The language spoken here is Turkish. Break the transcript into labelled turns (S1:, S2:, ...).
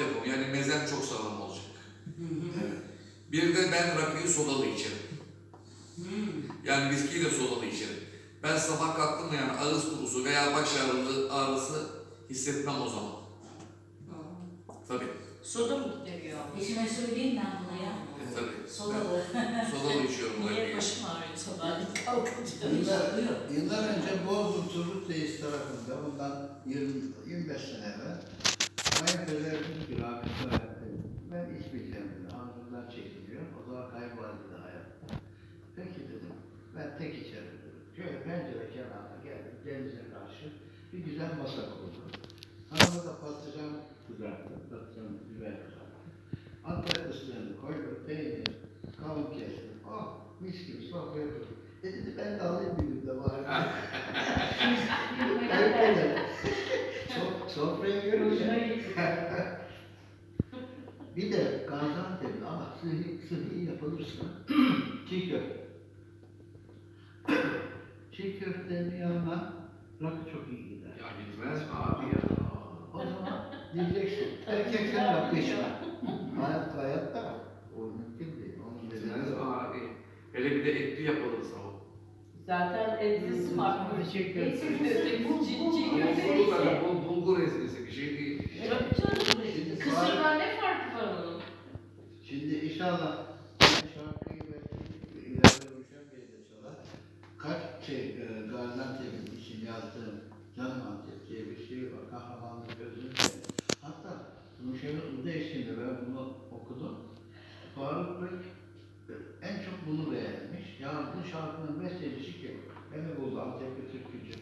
S1: yapımı. Yani mezen çok sağlam olacak.
S2: Evet.
S1: Bir de ben rakıyı sodalı içerim. Yani viskiyi de sodalı içerim. Ben sabah kalktım mı yani ağız kurusu veya baş ağrısı hissetmem o zaman. Tabii.
S3: Soda mı geliyor?
S4: Eşime söyleyeyim ben buna ya.
S1: Tabii.
S4: Sodalı.
S1: Ben sodalı içiyorum
S3: Niye
S1: rakıyı.
S3: başım ağrıyor sabah kalkınca?
S2: Yıllar önce Bozburun Turgutreis tarafında bundan 25 sene evvel kayınpeder dedi ki rahmetli öğretmenim, ben içmeyeceğim dedi. Ağzımdan çekiliyor. O zaman kayboldu dedi hayat. Peki dedim. Ben tek içerim dedim. Şöyle pencere kenarına geldim. Denize karşı bir güzel masa kurdum. Hanıma da patlıcan kızarttım. Patlıcan biber kızarttım. Antep fıstığını koydum. Peynir, kavun kestim. Oh mis gibi sofraya kurdum. Dedi ben de alayım bir gün de bari. Kayınpeder. Sofraya görünce. Bir de Gaziantep'li ama sıhhi yapılırsa çiğ köfte. Çiğ köftenin yanına rakı çok iyi gider.
S1: Ya gitmez mi abi ya?
S2: O zaman diyeceksin, erkekler rakı içme. Hayatta o mümkün değil. Onun
S1: Gitmez
S2: nedeni
S1: mi abi? Hele bir de etli yapılırsa o.
S3: Zaten etlisi farklı.
S2: Çiğ köfte.
S1: Bulgur ezmesi bir şey değil.
S3: Kısırdan ne farkı var onun?
S2: Şimdi inşallah şarkıyı ve ileride Ruşen Bey de çalar. Gaziantep'in için yazdığım Canım Antep diye bir şey var. Kahramanlık gözünü seveyim. Hatta Ruşen'in Uda eşliğinde ben bunu okudum. Faruk Bey en çok bunu beğenmiş. Yani bu şarkının bestecisi kim? Beni buldu Antep'li türkücü.